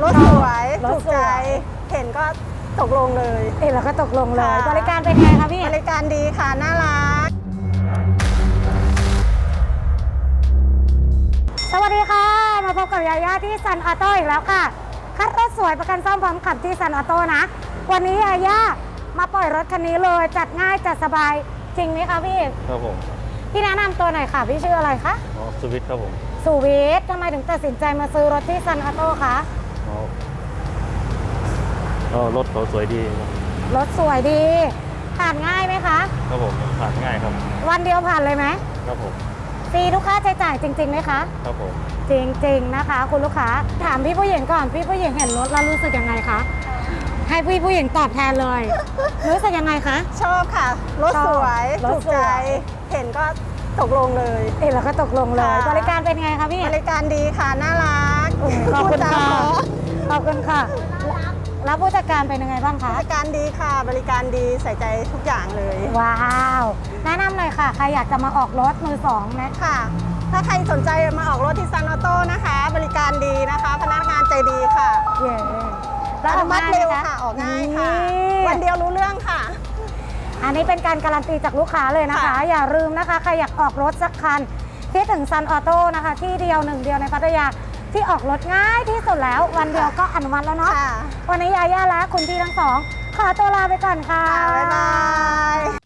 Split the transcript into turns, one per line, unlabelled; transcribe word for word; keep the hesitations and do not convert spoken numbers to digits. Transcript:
รถสวย
ร
ถู
ถ
ก
ส
ใจ
วย
เห็นก็ตกลงเลย
เห็นแล้วก็ตกลงเลย
ค่ะ
บริการเป็นไงคะพี่
บริการดีค่ะ น่ารัก
สวัสดีค่ะ มาพบกับยาย่าที่ซันออโต้อีกแล้วค่ะ คัดรถสวยประกันซ่อมพร้อมขับที่ซันออโต้นะ วันนี้ยาย่ามาปล่อยรถคันนี้เลย จัดง่ายจัดสบาย จริงไหมคะพี่
ครับผม
พี่แนะนำตัวหน่อยค่ะ พี่ชื่ออะไรคะ
อ๋อสวิตครับผม
สุวิทย์ทำไมถึงตัดสินใจมาซื้อรถที่ซันออโต้คะ
อ๋อก็รถเขาสวยดีครับ
รถสวยดี ผ่านง่ายไหมคะ
ครับผมผ่านง่ายครับ
วันเดียวผ่านเลยไหม
ครับผม
ฟรีทุกค่าใช้จ่ายจริงๆไหมคะ
ครับผม
จริงๆนะคะ คุณลูกค้า ถามพี่ผู้หญิงก่อน พี่ผู้หญิงเห็นรถแล้วรู้สึกยังไงคะ ให้พี่ผู้หญิงตอบแทนเลย รู้สึกยังไงคะ
ชอบค่ะ รถสวย
รถ
ถูก
สวย
ใจ เห็นก็ตกลงเลย
เห็นแล้วก็ตกลงเลย
ค่ะ
บริการเป็นไงคะพี่
บริการดีค่ะ น่ารัก
โอ้ยขอบคุณ
พูดจา
ค่ะ
เพรา
ขอบคุณค่ะ แล้วผู้จัดการเป็นยังไงบ้างคะ
บริการดีค่ะ บริการดีใส่ใจทุกอย่างเลย
ว้าว แนะนำหน่อยค่ะ ใครอยากจะมาออกรถมือสองนะ
ค่ะ ถ้าใครสนใจมาออกรถที่ซันออโต้นะคะ บริการดีนะคะ พนักงานใจดีค่ะ
เย้
อนุมัติเร็วค่ะ ออกง่ายค่ะ วันเดียวรู้เรื่องค่ะ
อันนี้เป็นการการันตีจากลูกค้าเลยนะคะ
ค่ะ
อย่าลืมนะคะ ใครอยากออกรถสักคันคิดถึงซันออโต้นะคะ ที่เดียวหนึ่งเดียวในพัทยาที่ออกรถง่ายที่สุดแล้ว วันเดียวก็อนุมัติแล้วเนาะ
ค่ะ
วันนี้ยาย่าและคุณพี่ทั้งสอง ขอตัวลาไปก่อนค่ะ
ค่ะบ๊ายบาย